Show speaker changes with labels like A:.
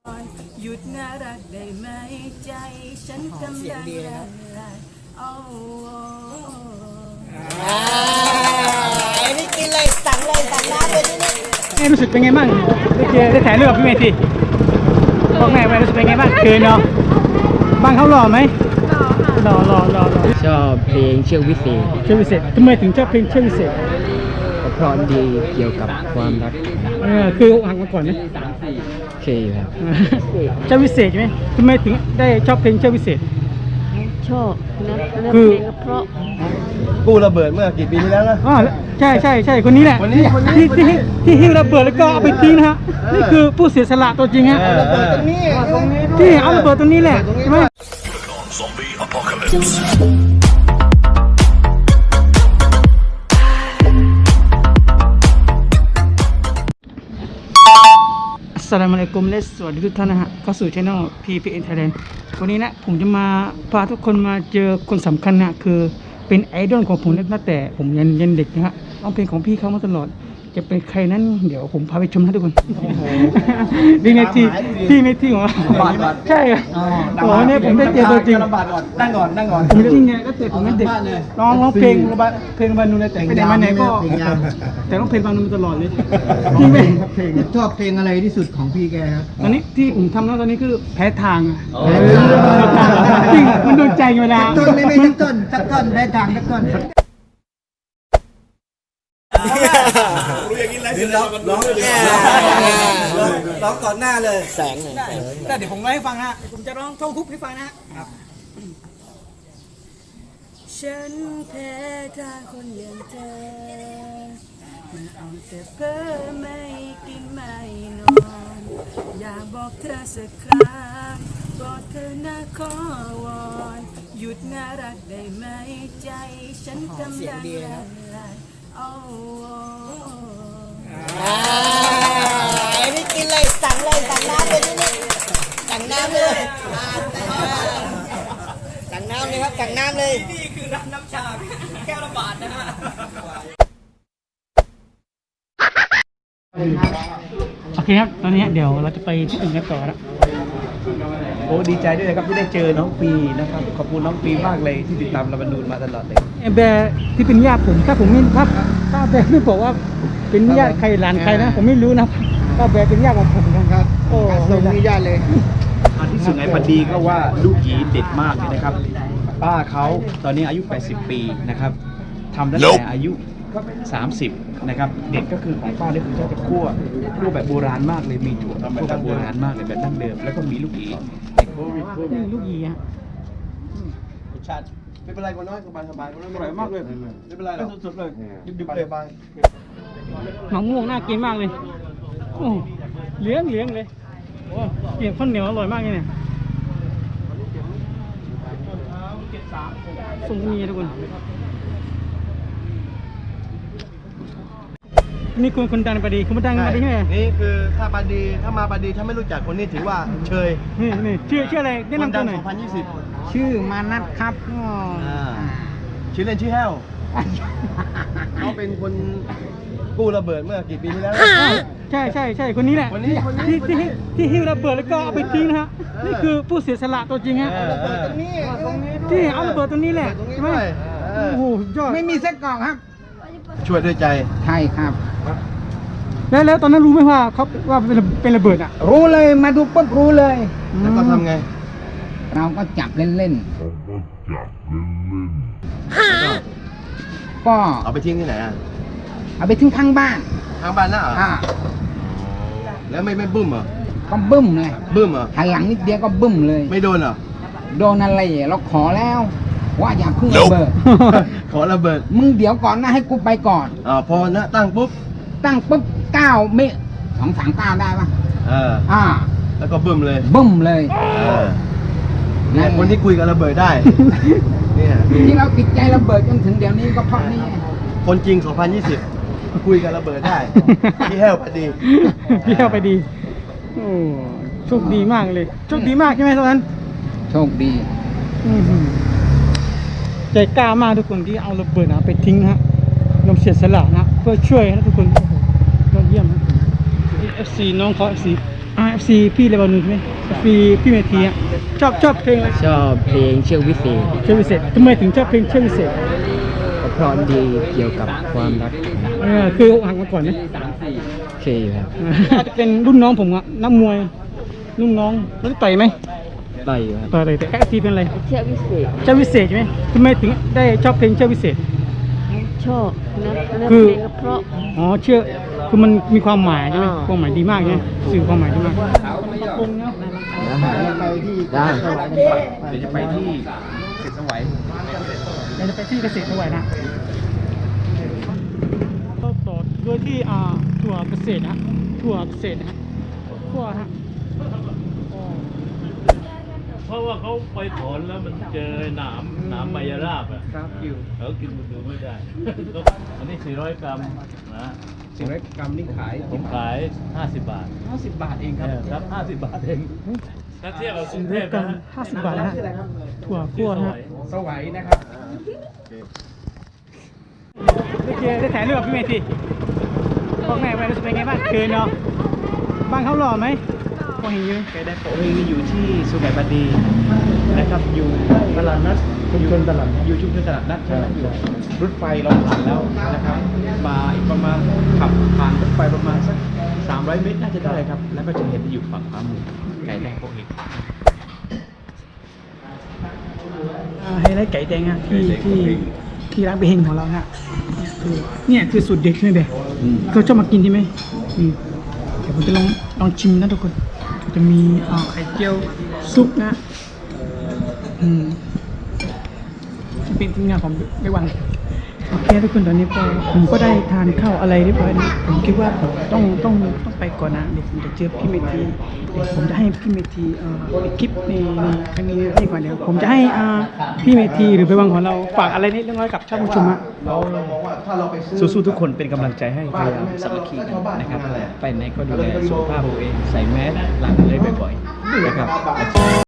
A: หยุดน่ารักได้ไหมใจฉันกำลังละลาย
B: นี่กินเลยสั่งน้ำเลยนี่
C: รู้สึกเป็นไงบ้างได้ถ่ายรูปกับพี่เมธีบอกแม่ไปรู้สึกเป็นไงบ้างคืนเนาะบ้านเขาหล่อไหมหล่อ
D: ชอบเพลงเชือกวิเศษ
C: เชื่อวิเศษทำไมถึงชอบเพลงเชื่อวิเศษ
D: เพราะดีเกี่ยวกับความรัก
C: คืออกหักมาก่อนไหม
D: โอเคอยู่ครับ
C: เชื่อวิเศษใช่ไหมทำไมถึงได้ชอบเพลงเชื่อวิเศษ
B: ชอบนะเพ
C: คือ
B: ลงเพราะ
E: กู้ระเบิดเมื่อกี่ปีที่แล้วนะ
C: อ๋อใช่คนนี้แหละที่หิ้วระเบิดแล้วก็เอาไปทิ้งนะฮะนี่คือผู้เสียสละตัวจริงฮะที่เอาระเบิดตรงนี้แหละใช่ไหมอัสสลามุอะลัยกุมและสวัสดีทุกท่านนะฮะเข้าสู่ช่อง PPN Thailand วันนี้นะผมจะมาพาทุกคนมาเจอคนสำคัญนะคือเป็นไอดอลของผมตั้งแต่ผมยันเด็กนะฮะร้องเพลงของพี่เขามาตลอดจะเป็นใครนั้นเดี๋ยวผมพาไปชมนะทุกคนดีเมทีพี่เมทีของเราใช่ครับอ๋อเนี่ยผมได้เจอตัวจริง
E: นั่งก่อน
C: ผมจริงไงก็เจอผมเป็นเด็กร้องเพลงระบานูนแต่ไปไหนมาไหนก็แต่ร้องเพลงบานูนตลอดเลยพี่ไม่
F: ชอบเพลงอะไรที่สุดของพี่แกครับ
C: ตอนนี้ที่ผมทำแล้วตอนนี้คือแพ้ทางจริงมันโดนใจเวลา
F: ต้นไม่สักต้นได้ทางสักต้น
E: รู้อย่างนี้ไรสิร้องก่อนหน้าเลย
D: แสงหน่อย
C: แต่เดี๋ยวผมไว้ให้ฟังนะผมจะร้องท่องทุกให้ฟังนะครับฉันแพ้ทางคนอย่างเธอมันเอาแต่เพ้อไม่กินไม่นอนอยากบอกเธอสักครั้งกอดเธอหน้าขอวอนหยุดน่ารักได้ไหมใจฉันกำลังละลาย
B: นี่กินเลยสั่งน้ำเลยนี่สั่งน้ำเลยสั่งน้ำเลยครับสั่งน้ำเลย
A: นี่คือร้านน้ำชาแก้วละบาทนะฮะ
C: โอเคครับตอนนี้เดี๋ยวเราจะไปที่อื่นกันต่อแล้ว
E: โอ้ดีใจด้วยนะครับที่ได้เจอน้องปีนะครับขอบคุณน้องปีมากเลยที่ติดตามเราบรรดูมาตลอดเลย
C: แบร์ที่เป็นญาติผมถ้าผมไม่ถ้าแบร์ไม่บอกว่าเป็นญาติใครหลานใครนะผมไม่รู้นะถ้าแบร์เป็นญาติของผมครับโอ้ส่งมีญาติเลย
E: อันที่สุดไงพอดีก็ว่าลูกหยีเด็ดมากเลยนะครับป้าเขาตอนนี้อายุ80ปีนะครับทำตั้งแต่อายุ30นะครับเด็ดก็คือของป้าเนี่ยคือจะคั่วแบบโบราณมากเลยมีถั่วคั่วแบบโบราณมากเลยแบบดั้งเดิมแล้วก็มีลูกหยี
C: ลูกหยีฮะ
E: ชาติไม่เป็นไรก็น้อยสบายก็น้อยอร่อยมากเลยไม่เป็นไรหรอกสุดๆเลยดิบๆเลยบาง
C: มะม่วงน่ากินมากเลยโอ้เลี้ยงเลยโอ้เกี่ยวข้าวเหนียวอร่อยมากเลยเนี่ยส่งมีทุกคนนี่คนดังปาดีคุณมาดังปาดีใช่ไหม
E: นี่คือถ้าปาดีถ้ามาปาดีถ้าไม่รู้จักคนนี้ถือว่าเชย
C: นี่ชื่ออะไรแนะนำตัวหน่อย
E: 2020
F: ชื่อมานัทครับ
E: ชื่อเล่นชื่อแห้วเขาเป็นคนกู้ระเบิดเมื่อกี่ปีที่แล้ว
C: ใช่คนนี้แหละที่หิ้วระเบิดแล้วก็เอาไปทิ้งนะฮะนี่คือผู้เสียสละตัวจริงฮะที่เอาระเบิดตรงนี้แหละใช่ไหมโอ้โหยอด
F: ไม่มีเส้นกรอกครับ
E: ช่วยด้วยใจ
F: ใช่ครับ
C: แล้วตอนนั้นรู้ไหมว่าเขาว่าเป็นระเบิดอ่ะ
F: รู้เลยมาดูปุ๊บรู้เลย
E: แล้วก็ทำไง
F: เราก็จับเล่นๆก็
E: เอาไปทิ้งที่ไหนอ่ะ
F: เอาไปทิ้งข้างบ้าน
E: น่ะเหรอแล้วไม่บึ้มเหรอ
F: ก็บึ้มเลย
E: บึ้มเหรอ
F: หันหลังนิดเดียวก็บึ้มเลย
E: ไม่โดนเหรอ
F: โดนอะไรเราขอแล้วว่าอย่าพึ่งระเบิด
E: ขอระเบิด
F: มึงเดี๋ยวก่อนนะให้กูไปก่อน
E: พอนะตั้งปุ๊บ
F: 9 เมตร 239ได้ปะ
E: แล้วก็บึ้มเลย
F: เนี่ย
E: คนที่คุยกับระเบิดได้เนี่ย
F: ที่เราติดใจระเบิดจนถึงเดี๋ยวนี้ก็เพราะนี่
E: คนจริง2020คุยกับระเบิดได้พี่แห้วไป
C: ดีโอ้โชคดีมากเลยโชคดีมากใช่ไหมตอนนั้น
F: โชคดี
C: ใจกล้ามากทุกคนที่เอาระเบิดไปทิ้งฮะยอมเสียสละนะเพื่อช่วยนะทุกคนยอดเยี่ยมนะ FC น้องเขา FC FC พี่เลบานูนใช่ไหม FC พี่เมธีอ่ะชอบเพลงอะไร
D: ชอบเพลงเชือกวิเศษ
C: เชือกวิเศษทำไมถึงชอบเพลงเชือกวิเศษ
D: เพราะดีเกี่ยวกับความรัก
C: คืออกหักมาก่อนไหม
D: โอเคอยู่ครับ
C: อาจจะเป็นรุ่นน้องผมอะนักมวยรุ่นน้องรู้ต่อยไหม
D: ต่อยอยู่ครับ
C: ต่อยเลยแต่FC เป็นอะไร
B: เชือกวิเศษ
C: เชือกวิเศษใช่ไหมทำไมถึงได้ชอบเพลงเชือกวิเศษ
B: ชอบนะ
C: คือ
B: เพลงก็เพราะ
C: อ๋อเชือกคือมันมีความหมายใช่ไหม
B: อ่า
C: ความหมายดีมากใช่ไหมสื่อความหมายดีมาก
D: ได้
E: เดี๋ยวจะไปที่เสร็จสวัย
C: เดี๋ยวจะไปที่เกษตรด้วยนะก็ต่อด้วยที่ถั่วเกษตรนะถั่วเกษตรนะฮะถั่วฮะ
G: เพราะว่าเขาไปถอนแล้วมันเจอหนามไมยราบอ่ะ
E: ครับคิว
G: เขากินมันดูไม่ได้ อันนี้ 400 กรัมนะ
E: 400 กรัมนี่ขาย
G: ผมขาย 50 บาท
E: 50 บาทเองครับ
G: เนี่ยครับ 50 บาทเองถ้าเทียบกับกรุงเทพ
C: กัน
G: นะ
C: 50 บาทนะฮะถั่วคั่วฮะ
E: สวัยนะครับ
C: ได้ถ่ายรูปกับพี่เมธีบอกไงไปรู้สึกเป็นไงบ้างเกินเนาะบ้านเขาหล่อไหมพอเห็นอยู่
E: ไก่แดงโปะเองนี่อยู่ที่สุไหงบดีนะครับ อยู่ตลาดนัดชุมชนตลาดอยู่ชุมชนตลาดนัดใช่ไหมอยู่รถไฟเราผ่านแล้วนะครับมาอีกประมาณขับผ่านรถไฟประมาณสัก300 เมตรน่าจะได้ครับ แล้วก็จะเห็นอยู่ฝั่งขวามือไก่แดงโปะเอง
C: ไฮไลท์ไก่แดงอะที่ร้านเบเฮงของเราฮะคือเนี่ยคือสูตรเด็ดใช่ไหมเบเขาชอบมากินใช่ไหมเดี๋ยวผมจะลองชิมนะทุกคนจะมีไข่เจียวซุปนะเป็นทีมงานของไม่วันโอเคทุกคนตอนนี้ผมก็ได้ทานข้าวอะไรเรียบร้อยนะผมคิดว่าผมต้องไปก่อนนะเดี๋ยวผมจะเจอพี่เมธีผมจะให้พี่เมธีคลิปในครั้งนี้ให้ก่อนเดี๋ยวผมจะให้พี่เมธีหรือไปวังของเราฝากอะไรนิดเล็กน้อยกับท่านผู้ชมฮะ
E: สู้ๆทุกคนเป็นกำลังใจให้พยายามสามัคคีกันนะครับ ไปไหนก็ดูแลสุขภาพตัวเองใส่แมสล้างมือบ่อยๆนะครับ